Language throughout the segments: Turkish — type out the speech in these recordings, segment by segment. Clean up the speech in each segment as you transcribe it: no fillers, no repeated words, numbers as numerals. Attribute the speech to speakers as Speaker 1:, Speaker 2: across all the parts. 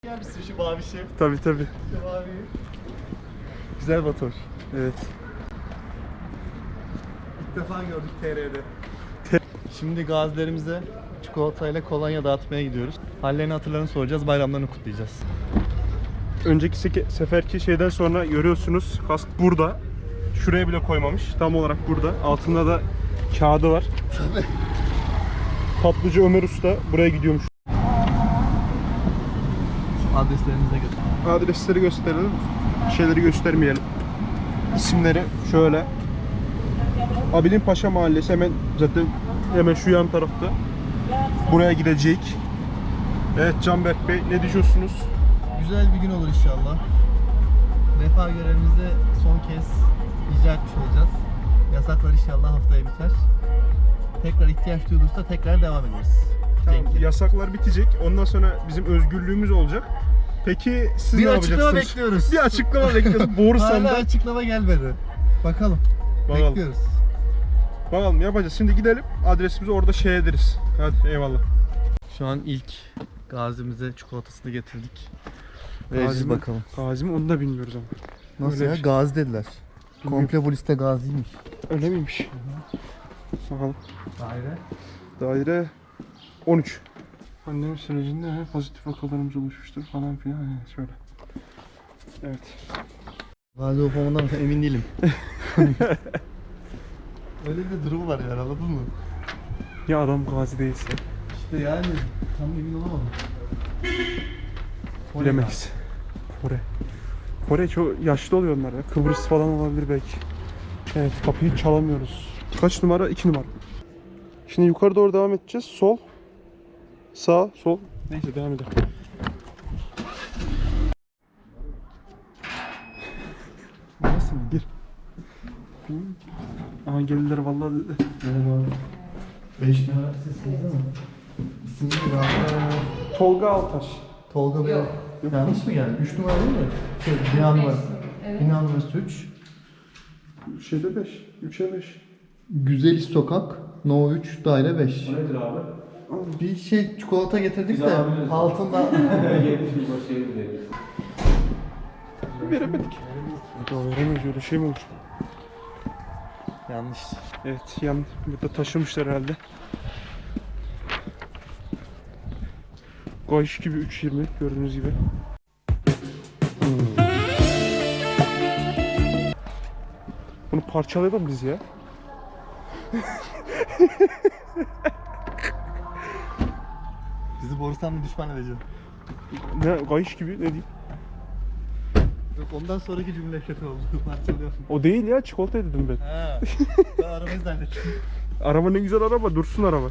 Speaker 1: Gelmişsin şu mavişi.
Speaker 2: Tabii.
Speaker 1: Şu mavi. Güzel motor.
Speaker 2: Evet.
Speaker 1: İlk defa gördük TR'de. Şimdi gazilerimize çikolatayla kolonya dağıtmaya gidiyoruz. Hallerini hatırlarını soracağız, bayramlarını kutlayacağız.
Speaker 2: Önceki seferki şeyden sonra görüyorsunuz kask burada. Şuraya bile koymamış. Tam olarak burada. Altında da kağıdı var.
Speaker 1: Tabii.
Speaker 2: Tatlıcı Ömer Usta buraya gidiyormuş.
Speaker 1: Adreslerinize götür.
Speaker 2: Adresleri gösterelim. Şeyleri göstermeyelim. İsimleri şöyle. Abilin Paşa Mahallesi hemen şu yan tarafta. Buraya gidecek. Evet Canberk Bey, ne düşünüyorsunuz?
Speaker 1: Güzel bir gün olur inşallah. Vefa görevimizi son kez icra etmiş olacağız. Yasaklar inşallah haftaya biter. Tekrar ihtiyaç duyulursa tekrar devam ederiz.
Speaker 2: Tamam, yasaklar bitecek. Ondan sonra bizim özgürlüğümüz olacak. Peki siz
Speaker 1: Bir
Speaker 2: ne
Speaker 1: açıklama
Speaker 2: yapacaksınız?
Speaker 1: bekliyoruz.
Speaker 2: Bir açıklama bekliyoruz. Borusan'da.
Speaker 1: Hala açıklama gelmedi. Bakalım. Bekliyoruz.
Speaker 2: Bakalım yapacağız. Şimdi gidelim. Adresimizi orada şey ederiz. Hadi eyvallah.
Speaker 1: Şu an ilk gazimize çikolatasını getirdik. Vereceğiz bakalım.
Speaker 2: Gazi mi onu da bilmiyoruz ama.
Speaker 1: Nasıl
Speaker 2: Öyle
Speaker 1: ya?
Speaker 2: bir şey.
Speaker 1: Gazi dediler. Komple bu liste gaziymiş.
Speaker 2: Öyle miymiş? Bakalım.
Speaker 1: Daire.
Speaker 2: Daire 13. Pandemi sürecinde pozitif vakalarımız oluşmuştur falan filan. Şöyle. Evet.
Speaker 1: Gazi olup olmadan emin değilim. Öyle bir durum var yani, anladın mı?
Speaker 2: Ya adam gazi değilse?
Speaker 1: İşte yani tam emin olamadım.
Speaker 2: Bilemeyiz. Kore çok yaşlı oluyor onlar ya. Kıbrıs falan olabilir belki. Evet, kapıyı çalamıyoruz. Kaç numara? 2 numara. Şimdi yukarı doğru devam edeceğiz. Sol. Sağ, sol. Neyse devam edelim.
Speaker 1: Nasıl mı?
Speaker 2: Gir. Aha geldiler vallahi dedi.
Speaker 1: Merhaba. 5 numara sesiniz ama. İsim ne ya?
Speaker 2: Tolga Altaş.
Speaker 1: Tolga Bey. Yanlış mı geldi? 3 numara değil mi? Bina numarası.
Speaker 3: Evet.
Speaker 1: Bina numarası 3.
Speaker 2: Şeyde 5. 3'e 5.
Speaker 1: Güzeliş Sokak. No 3 daire 5.
Speaker 4: O nedir abi?
Speaker 1: Bir şey çikolata getirdik
Speaker 4: Biz
Speaker 1: de
Speaker 4: alabiliriz.
Speaker 1: altında.
Speaker 4: 70 bin başı evi deriz.
Speaker 2: Veremedik. Veremeyiz, öyle şey mi olur?
Speaker 1: Yanlış.
Speaker 2: Evet, burada taşımışlar herhalde. Gayış gibi 3.20 gördüğünüz gibi. Bunu parçalayalım biz ya.
Speaker 1: Bizi Borusan'la düşman edeceğim.
Speaker 2: Ne gayış gibi ne diyeyim?
Speaker 1: Yok, ondan sonraki cümle kötü oldu. Parçalıyorsun.
Speaker 2: O değil ya, çikolata dedim ben.
Speaker 1: Ha. Ben arabayı zannettim.
Speaker 2: Araba ne güzel araba, dursun araba.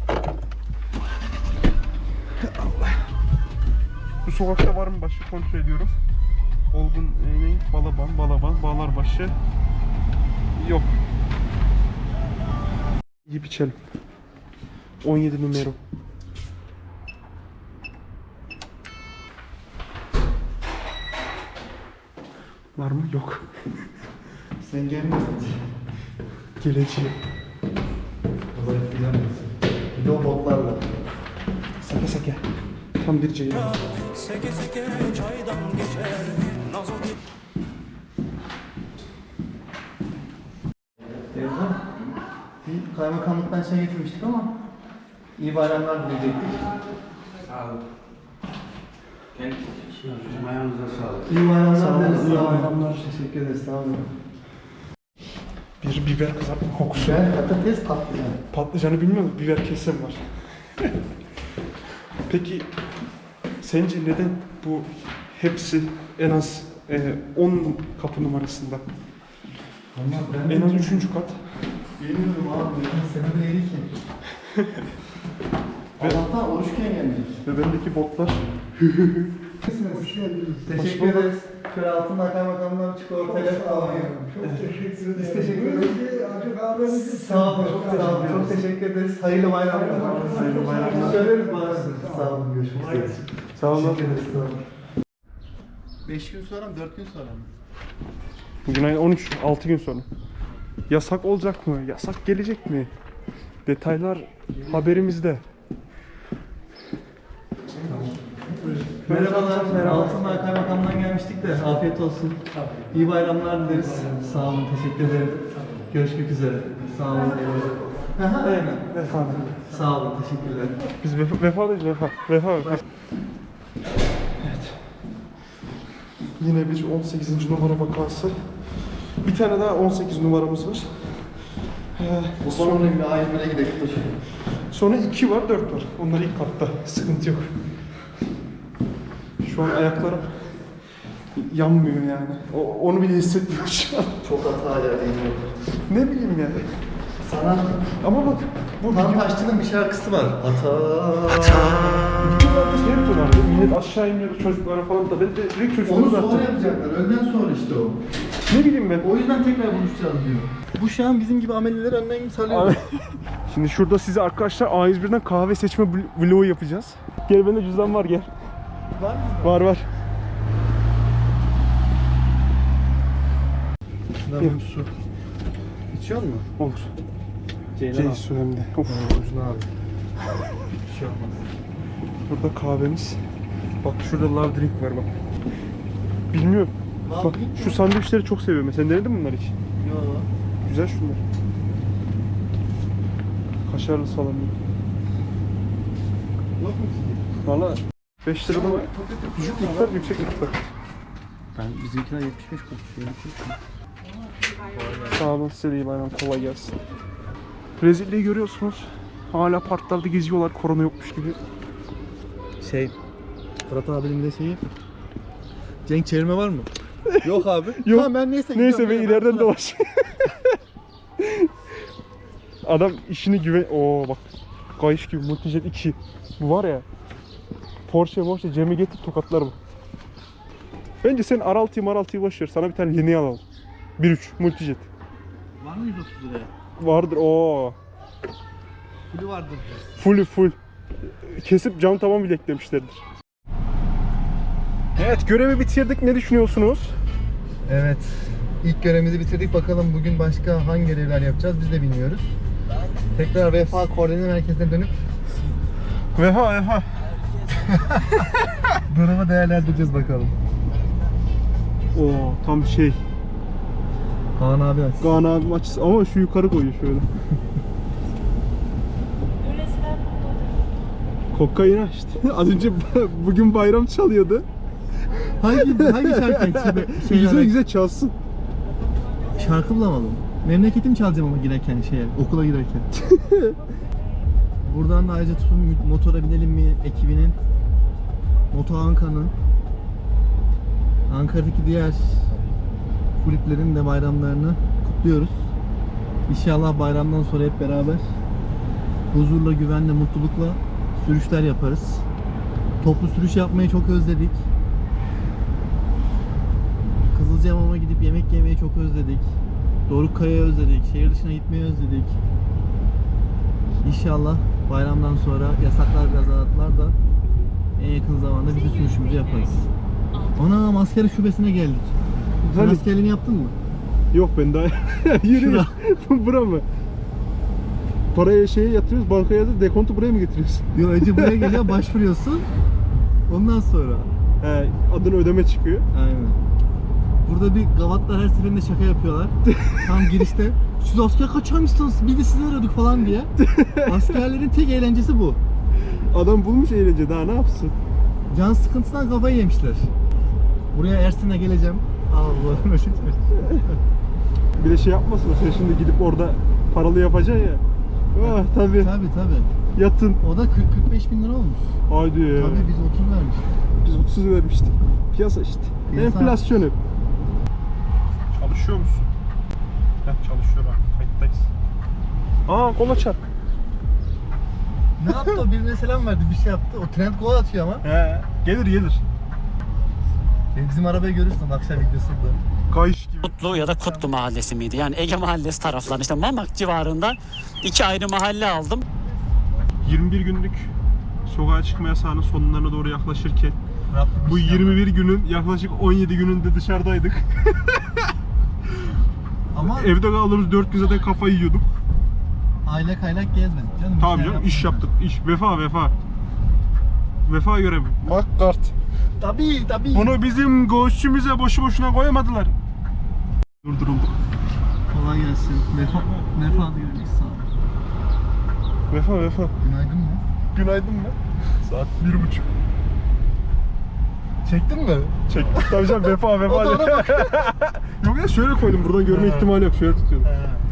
Speaker 2: Allah. Bu sokakta var mı başka kontrol ediyorum. Olgun Balaban, Bağlarbaşı. Yok. Yiyip içelim. 17 numara. Var mı? Yok.
Speaker 1: Sen gelmiyorsun.
Speaker 2: Geleceğim.
Speaker 1: Olay bilemezsin. Bir de o botlarla.
Speaker 2: Seke. Tam bir ceylan.
Speaker 5: Seke seke çaydan geçer nazo
Speaker 1: Teyzem, bir kaymakamlıktan şey getirmiştik ama iyi bayramlar dileyecektik.
Speaker 4: Sağ olun. Ayağınıza sağlık.
Speaker 1: İyi bayramlar
Speaker 2: Sağ olun,
Speaker 1: dileriz.
Speaker 2: iyi
Speaker 1: Sağ olun.
Speaker 2: bayramlar.
Speaker 1: Teşekkür ederiz. Sağ olun.
Speaker 2: Bir biber kızartma kokusu.
Speaker 1: Ben patates patlıcan.
Speaker 2: Patlıcanı bilmiyorum, biber kesim var. Peki sence neden bu hepsi en az 10 kapı numarasında?
Speaker 1: Ama ben
Speaker 2: En az 3. kat.
Speaker 1: bilmiyorum abi. Sebebi neydi ki? Allah'tan oruçken geldik.
Speaker 2: Ve bendeki botlar.
Speaker 1: Hoş geldiniz. Teşekkür ederiz. Şöyle altından kaymakamdan çikolatayla alayım.
Speaker 6: Çok teşekkür ederim.
Speaker 1: Biz teşekkür ederiz.
Speaker 6: Acı kahvenizi
Speaker 1: Sağ olun, çok sağ olun. Çok teşekkür ederiz. Hayırlı bayramlar.
Speaker 6: Hayırlı bayramlar.
Speaker 1: Söyleriz bana. Sağ olun, görüşmek üzere.
Speaker 2: Sağ olun.
Speaker 1: Teşekkür ederiz, sağ olun. 5 gün sonra mı, 4 gün sonra mı?
Speaker 2: Bugün ayın 13, 6 gün sonra. Yasak olacak mı? Yasak gelecek mi? Detaylar haberimizde.
Speaker 1: Merhabalar. Altındağ Kaymakam'dan gelmiştik de afiyet olsun. İyi bayramlar dileriz. Sağ olun, teşekkür ederim. Görüşmek üzere. Sağ olun. Aynen.
Speaker 2: Vefa.
Speaker 1: Sağ olun, teşekkürler.
Speaker 2: Biz vefadayız, vefa. Vefa. Evet. Yine bir 18. numara vakası. Bir tane daha 18 numaramız var.
Speaker 1: Sonra bir A101'e gidelim.
Speaker 2: Sonra 2 var, 4 var. Onlar ilk katta. Sıkıntı yok. Şu an ayaklarım yanmıyor yani. Onu bile hissetmiyorum şu an.
Speaker 1: Çok hata yerdeyim.
Speaker 2: Ne bileyim yani.
Speaker 1: Sana
Speaker 2: Ama bak bu
Speaker 1: Tam
Speaker 2: video...
Speaker 1: Taşçı'nın bir şarkısı var.
Speaker 2: Videolarda şey yapıyorlardı. Millet aşağı iniyordu çocuklara falan da. Ben de direkt çocukları
Speaker 1: Onu
Speaker 2: zaten.
Speaker 1: sonra yapacaklar. Önden sonra işte o.
Speaker 2: Ne bileyim ben.
Speaker 1: O yüzden tekrar buluşacağız diyor. Bu şu an bizim gibi ameliler önden salıyor.
Speaker 2: Şimdi şurada size arkadaşlar A101'den kahve seçme vlogu yapacağız. Gel bende cüzdan var gel.
Speaker 1: Var mı?
Speaker 2: Var.
Speaker 1: Şuradan bir su. İçiyor musun?
Speaker 2: Olur.
Speaker 1: Ceylan
Speaker 2: Su hem de. Of.
Speaker 1: Uzun abi. Bir şey olmaz.
Speaker 2: Burada kahvemiz. Bak şurada love drink var bak. Bilmiyorum.
Speaker 1: Love
Speaker 2: Bak
Speaker 1: drink
Speaker 2: şu sandviçleri çok seviyorum. Sen denedin mi bunları hiç?
Speaker 1: Yo.
Speaker 2: Güzel şunlar. Kaşarlı salamlı.
Speaker 1: Yok mu ki?
Speaker 2: Valla 5 lirada var. Düşük miktar, yüksek miktar.
Speaker 1: Ben bizimkiler 75 koşuyor.
Speaker 2: Sağ olun, size de iyi bayram, kolay gelsin. Rezilliği görüyorsunuz. Hala parklarda geziyorlar, korona yokmuş gibi.
Speaker 1: Fırat abinin de şeyi. Cenk çevirme var mı? Yok abi.
Speaker 2: Yok.
Speaker 1: Tamam ben neyse
Speaker 2: Neyse
Speaker 1: gidiyorum.
Speaker 2: ben ileriden dolaş. Adam işini güven... Oo bak. Kayış gibi Multijet 2. Bu var ya. Porsche Cem'i getir tokatlar bu. Bence sen R6'yı boş ver. Sana bir tane yeni alalım. 1.3 Multijet.
Speaker 1: Var mı 130 liraya?
Speaker 2: Vardır o.
Speaker 1: Kulü vardır.
Speaker 2: Full. Kesip cam tavan bile eklemişlerdir. Evet, görevi bitirdik. Ne düşünüyorsunuz?
Speaker 1: Evet. İlk görevimizi bitirdik. Bakalım bugün başka hangi görevler yapacağız biz de bilmiyoruz. Tekrar Vefa Koordine Merkezi'ne dönüp
Speaker 2: Vefa.
Speaker 1: durumu değerlendireceğiz bakalım.
Speaker 2: Oo, tam şey.
Speaker 1: Kaan abi aç.
Speaker 2: Kaan abim açısı ama şu yukarı koyuyor şöyle. Kokain açtı. Az önce bugün bayram çalıyordu.
Speaker 1: Hangi şarkı?
Speaker 2: Güzel çalsın.
Speaker 1: Şarkı bulamadım. Memleketim çalacağım ama girerken okula girerken. Buradan da ayrıca tutun motora binelim mi ekibinin, Moto Anka'nın, Ankara'daki diğer kulüplerin de bayramlarını kutluyoruz. İnşallah bayramdan sonra hep beraber huzurla, güvenle, mutlulukla sürüşler yaparız. Toplu sürüş yapmayı çok özledik. Kızılcahamam'a gidip yemek yemeyi çok özledik. Dorukkaya'yı özledik. Şehir dışına gitmeyi özledik. İnşallah bayramdan sonra yasaklar biraz azaltlar da en yakın zamanda bütün sürüşümüzü yaparız. Ana asker şubesine geldik. Sen
Speaker 2: Hadi.
Speaker 1: askerliğini yaptın mı?
Speaker 2: Yok ben daha yürü. Bura mı? Paraya yatırıyoruz, bankaya da dekontu buraya mı getiriyorsun?
Speaker 1: Yok önce buraya geliyor başvuruyorsun. Ondan sonra.
Speaker 2: He, adını ödeme çıkıyor.
Speaker 1: Aynen. Burada bir gavatlar her seferinde şaka yapıyorlar. Tam girişte. Siz asker kaçarmışsınız, biz de sizi arıyorduk falan diye. Askerlerin tek eğlencesi bu.
Speaker 2: Adam bulmuş eğlence, daha ne yapsın?
Speaker 1: Can sıkıntısından kafayı yemişler. Buraya Ersin'e geleceğim. Allah'ım özür dilerim.
Speaker 2: Bir de yapmasın, sen şimdi gidip orada paralı yapacaksın ya. Ah tabii.
Speaker 1: Tabii.
Speaker 2: Yatın.
Speaker 1: O da 40-45 bin lira olmuş.
Speaker 2: Haydi.
Speaker 1: Tabii biz 30 vermiştik.
Speaker 2: Biz 30 vermiştik. Piyasa işte.
Speaker 1: Piyasa.
Speaker 2: Enflasyon hep. Çalışıyor musun? Heh, çalışıyor abi. Kayıttayız. Kola çarp.
Speaker 1: Ne yaptı o? Birine selam verdi, bir şey yaptı. O trend gol atıyor ama.
Speaker 2: He. Gelir.
Speaker 1: Bizim arabayı görürsün akşam videosunda.
Speaker 2: Kayış gibi.
Speaker 3: Kutlu ya da Kutlu Mahallesi miydi? Yani Ege Mahallesi taraflarında işte Mamak civarında 2 ayrı mahalle aldım.
Speaker 2: 21 günlük sokağa çıkma yasağının sonlarına doğru yaklaşırken bu 21 günün yaklaşık 17 gününde dışarıdaydık.
Speaker 1: Ama
Speaker 2: Evde kaldığımız 4 gün zaten kafayı yiyorduk.
Speaker 1: aylak gezmedik canım.
Speaker 2: Tabii
Speaker 1: Bir şey
Speaker 2: canım, iş yaptık. İş. Vefa. Vefa görevi. Makkart.
Speaker 1: Tabii.
Speaker 2: Bunu bizim göğsümüze boşu boşuna koyamadılar. Durduruldu.
Speaker 1: Kolay gelsin. Vefa diyoruz sağ ol.
Speaker 2: Vefa.
Speaker 1: Günaydın mı?
Speaker 2: Günaydın mı? Saat 1:30.
Speaker 1: Çektin mi?
Speaker 2: Çektim. Tabii canım vefa.
Speaker 1: O da ona bak.
Speaker 2: Yok ya şöyle koydum. Buradan görme ihtimali yok. Şöyle tutuyordum.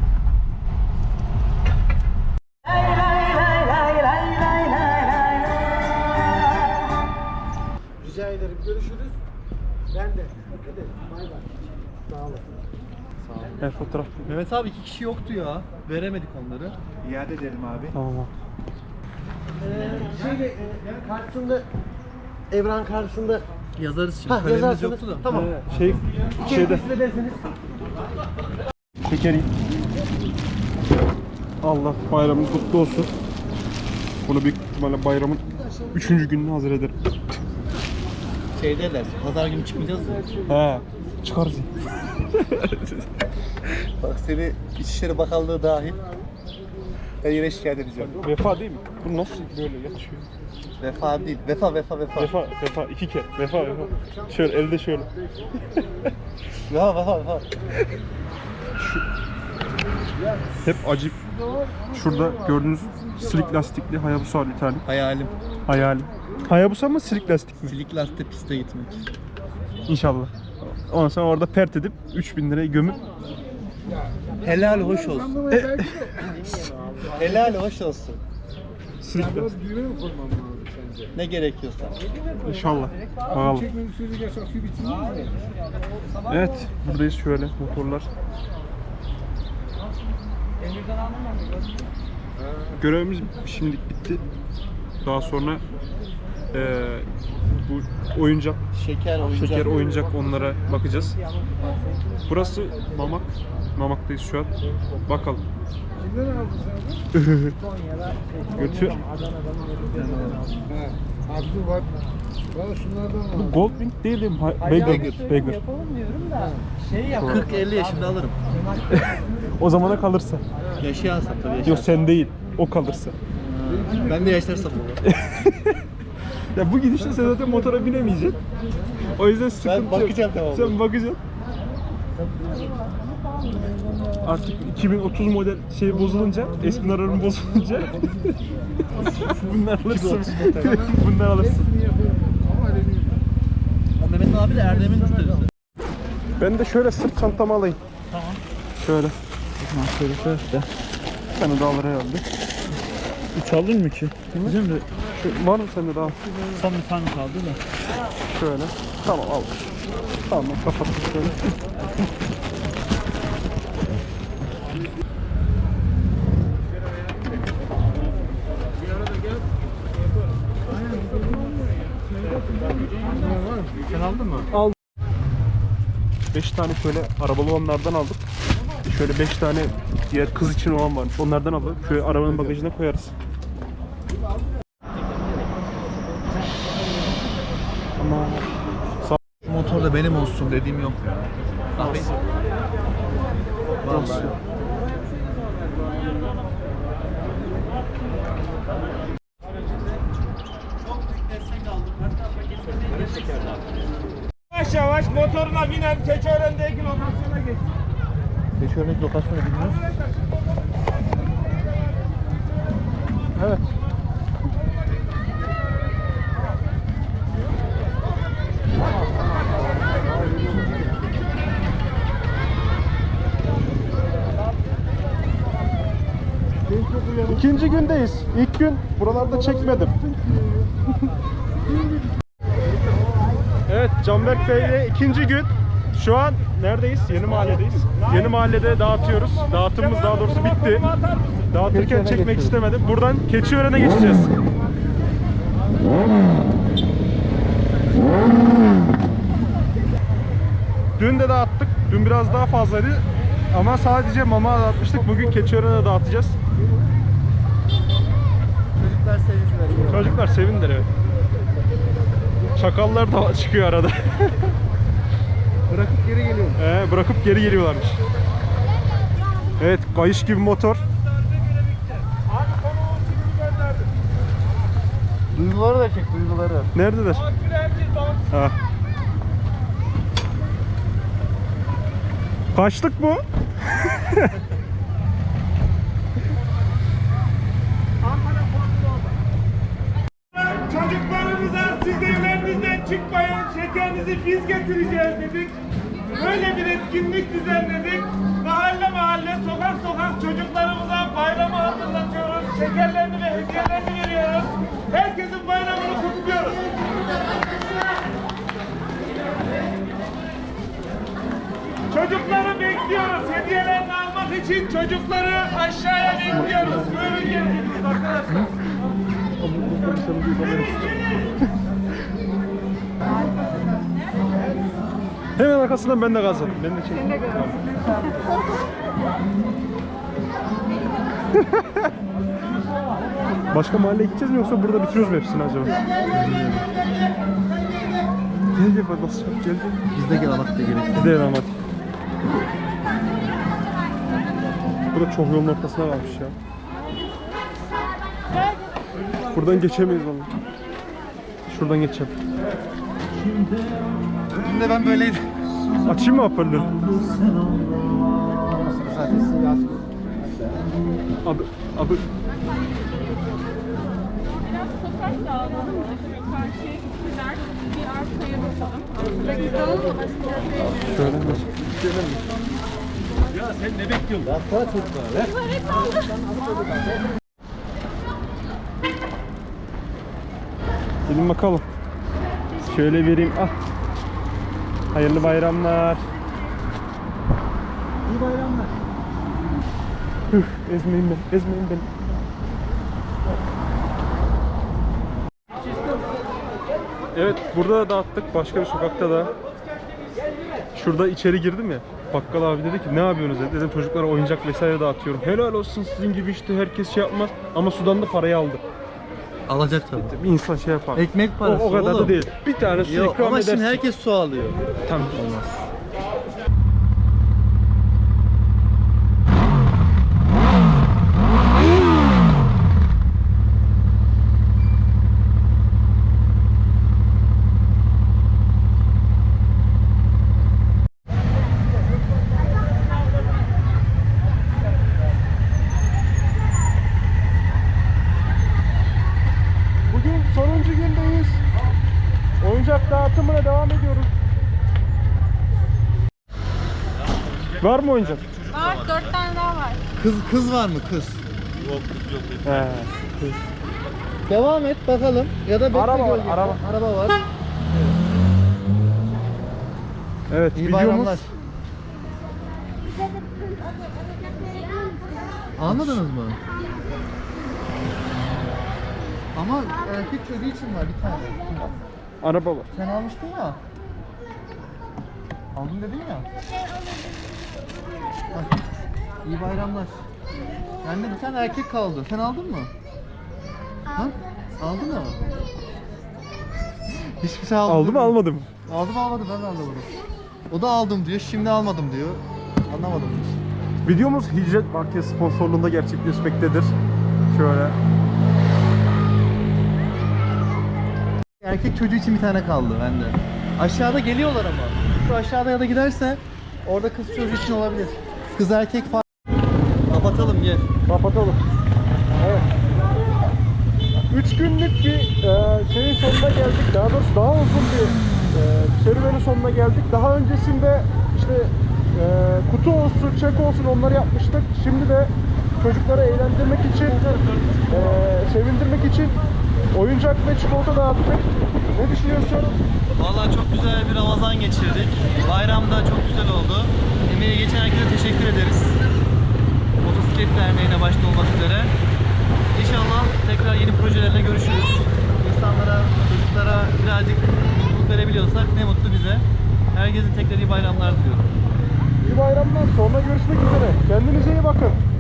Speaker 6: Rica ederim. Görüşürüz. Ben de. Hadi. Bay bay. Sağ olun.
Speaker 2: Evet fotoğraf.
Speaker 1: Mehmet abi 2 kişi yoktu ya. Veremedik onları.
Speaker 6: İade edelim abi.
Speaker 2: Tamam.
Speaker 6: Karşısında Evran karşısında
Speaker 1: Yazarız şimdi.
Speaker 6: ha
Speaker 1: Kalemimiz
Speaker 6: yazarsınız.
Speaker 1: yoktu da.
Speaker 6: Tamam.
Speaker 2: Şeyde.
Speaker 6: İkisini derseniz.
Speaker 2: Şekeri. Allah bayramın kutlu olsun. Bunu büyük ihtimalle bayramın 3. gününe hazır ederim.
Speaker 1: Şey derler. Pazar günü çıkmayacağız ya.
Speaker 2: He. Çıkarız.
Speaker 1: Bak seni İçişleri Bakanlığı dahil. Ben yine şikayet edeceğim.
Speaker 2: Vefa değil mi? Bu nasıl böyle yatıyor?
Speaker 1: Vefa değil. Vefa.
Speaker 2: Vefa 2 kere. Vefa. Şöyle elde şöyle.
Speaker 1: Vefa.
Speaker 2: Hep acip. Şurada gördüğünüz silik lastikli Hayabusa var bir tane.
Speaker 1: Hayalim.
Speaker 2: Hayabusa mı silik lastik mi?
Speaker 1: Silik lastik piste gitmek.
Speaker 2: İnşallah. Ondan sonra orada pert edip 3000 lirayı gömüp
Speaker 1: Helal hoş olsun. Helal hoş olsun.
Speaker 2: silik lastik.
Speaker 6: Düğme mi koymam lazım sence?
Speaker 1: Ne gerekiyorsa.
Speaker 2: İnşallah. Bakalım.
Speaker 6: Çekmeyi sürücü yasak şu bitsin mi?
Speaker 2: Evet, buradayız şöyle motorlar. Görevimiz şimdilik bitti. Daha sonra bu oyuncak, şeker oyuncak onlara bakacağız. Burası Mamak. Mamak'tayız şu an. Bakalım.
Speaker 6: Kimden aldın sen bunu?
Speaker 2: Götür.
Speaker 6: Ha. Abi dur bak. Bana şunlardan var.
Speaker 2: Bu Goldwing değil mi? Bagger.
Speaker 1: 40-50 yaşında alırım.
Speaker 2: O zamana kalırsa.
Speaker 1: Yaşayansam tabii
Speaker 2: Yok
Speaker 1: yaşayansam.
Speaker 2: sen değil. O kalırsa.
Speaker 1: Ben de yaşarsam olur.
Speaker 2: Ya bu gidişle sen zaten motora binemeyeceksin. O yüzden sıkıntı yok.
Speaker 1: bakacağım devamlı.
Speaker 2: Sen bakacaksın. Artık 2030 model şey bozulunca, eski ararım bozulunca bunlar alırsın. Bunlar alırsın.
Speaker 1: Mehmet abi de Erdem'in müşterisi.
Speaker 2: Ben de şöyle sırt çantamı alayım.
Speaker 1: Tamam.
Speaker 2: Şöyle.
Speaker 1: Şöyle de.
Speaker 2: Bir tane daha alır herhalde.
Speaker 1: 3 aldın mı ki? Bizim de
Speaker 2: Var mı sende daha?
Speaker 1: son bir tane kaldı da.
Speaker 2: Şöyle. Tamam al. Tamam kapattım şöyle.
Speaker 1: Sen aldın mı?
Speaker 2: 5 tane şöyle arabalı olanlardan aldık. Şöyle 5 tane diğer kız için olan varmış. Onlardan alalım. Şöyle arabanın bagajına koyarız. Ama
Speaker 1: Motor da benim olsun dediğim yok ya. Abi. Vallahi.
Speaker 2: yavaş yavaş motoruna binen Keçiören'deki lokasyona geç.
Speaker 1: Keçiören'deki lokasyonu bilmiyoruz.
Speaker 2: Evet. İkinci gündeyiz. İlk gün buralarda çekmedim. Evet, Canberk Bey'le ikinci gün. Şu an neredeyiz? Yeni mahalledeyiz. Yeni mahallede dağıtıyoruz. Dağıtımımız daha doğrusu bitti. Dağıtırken çekmek istemedim. Buradan Keçiören'e geçeceğiz. Dün de dağıttık. Dün biraz daha fazlaydı. Ama sadece mama dağıtmıştık. Bugün Keçiören'e dağıtacağız.
Speaker 1: Çocuklar sevinçler.
Speaker 2: Çocuklar sevindiler evet. Çakallar da çıkıyor arada.
Speaker 6: Bırakıp geri geliyorum.
Speaker 2: Bırakıp geri geliyorlarmış. Evet, kayış gibi motor.
Speaker 1: Duyguları da çek, duyguları.
Speaker 2: Neredeler? Ha. Kaçlık bu?
Speaker 7: Çocuklarımıza siz evlerinizden çıkmayın, şekerinizi biz getireceğiz dedik. Böyle bir etkinlik düzenledik. Mahalle mahalle, sokak sokak çocuklarımıza bayramı hatırlatıyoruz. Şekerlerini ve hediyelerini veriyoruz. Herkesin bayramını kutluyoruz. Çocukları bekliyoruz. Hediyelerini almak için çocukları aşağıya bekliyoruz. Buyurun gelin arkadaşlar.
Speaker 2: Hemen arkasından ben de gazladım. Ben de çekeyim. Başka mahalleye gideceğiz mi yoksa burada bitiriyoruz mu hepsini acaba? Gel gel nasıl gel gel.
Speaker 1: Biz de gel alak da gerek.
Speaker 2: Gidelim ama. Burada çok yolun ortasına kalmış ya. Buradan geçemeyiz vallahi. Şuradan geçeceğim.
Speaker 1: Dün de ben böyleydim.
Speaker 2: Açayım mı hoparlörü?
Speaker 1: Zaten siyasi.
Speaker 2: Abi.
Speaker 8: Biraz sokak dağılalım da şu karşıya gittiler. Bir arkaya bakalım.
Speaker 2: Şöyle mi?
Speaker 1: Ya sen ne bekliyorsun? Ya sana çok var.
Speaker 2: Gelin bakalım. Şöyle vereyim. Ah. Hayırlı bayramlar.
Speaker 1: İyi bayramlar.
Speaker 2: Ezmeyin beni. Ezmeyin beni. Evet, burada da dağıttık. Başka bir sokakta da. Şurada içeri girdim ya. Bakkal abi dedi ki ne yapıyorsunuz dedi. Dedim çocuklara oyuncak vesaire dağıtıyorum. Helal olsun sizin gibi işte herkes şey yapmaz. Ama sudan da parayı aldı.
Speaker 1: Alacak tabii.
Speaker 2: Bir insan şey yapar.
Speaker 1: Ekmek parası
Speaker 2: O kadar
Speaker 1: oğlum.
Speaker 2: da değil. Bir tane su
Speaker 1: Yok
Speaker 2: ikram
Speaker 1: ama
Speaker 2: edersin.
Speaker 1: şimdi herkes su alıyor.
Speaker 2: Tamam olmaz. Bugün sonuncu gündeyiz. Oyuncak dağıtımına devam ediyoruz. Var mı oyuncak?
Speaker 8: Var, 4 tane daha var.
Speaker 1: Kız var mı kız?
Speaker 2: He.
Speaker 1: Devam et bakalım. Ya da bekle
Speaker 2: Araba var,
Speaker 1: gölgede.
Speaker 2: araba.
Speaker 1: Araba var.
Speaker 2: Evet,
Speaker 1: İyi
Speaker 2: videomuz
Speaker 1: bayramlar. Anladınız mı? Ama erkek çocuğu için var bir tane.
Speaker 2: araba var.
Speaker 1: Sen almıştın ya. Aldım dedin ya. Bak, iyi bayramlar. Bende bir tane erkek kaldı. Sen aldın mı? Ha? Aldın mı? Hiçbir şey almadım.
Speaker 2: Aldı mı almadı mı?
Speaker 1: Aldım almadım ben de anlamadım. O da aldım diyor, şimdi almadım diyor. Anlamadım hiç.
Speaker 2: Videomuz Hicret Market sponsorluğunda gerçekleşmektedir. Şöyle.
Speaker 1: Erkek çocuğu için bir tane kaldı bende. Aşağıda geliyorlar ama. Şu aşağıda ya da giderse orada kız çocuğu için olabilir. Kız erkek fark. Kapatalım gel.
Speaker 2: Kapatalım. Evet. 3 günlük bir şeyin sonuna geldik. Daha doğrusu daha uzun bir serüvenin sonuna geldik. Daha öncesinde işte kutu olsun, çek olsun onları yapmıştık. Şimdi de çocukları eğlendirmek için, sevindirmek için oyuncak ve çikolata dağıttık. Ne düşünüyorsun?
Speaker 1: Vallahi çok güzel bir Ramazan geçirdik. Bayram da çok güzel oldu. Emeği geçen herkese teşekkür ederiz. Motosiklet Derneği'ne başta olmak üzere. İnşallah tekrar yeni projelerle görüşürüz. İnsanlara, çocuklara birazcık mutluluk verebiliyorsak ne mutlu bize. Herkese tekrar iyi bayramlar diliyorum.
Speaker 2: İyi bayramlar. Sonra görüşmek üzere. Kendinize iyi bakın.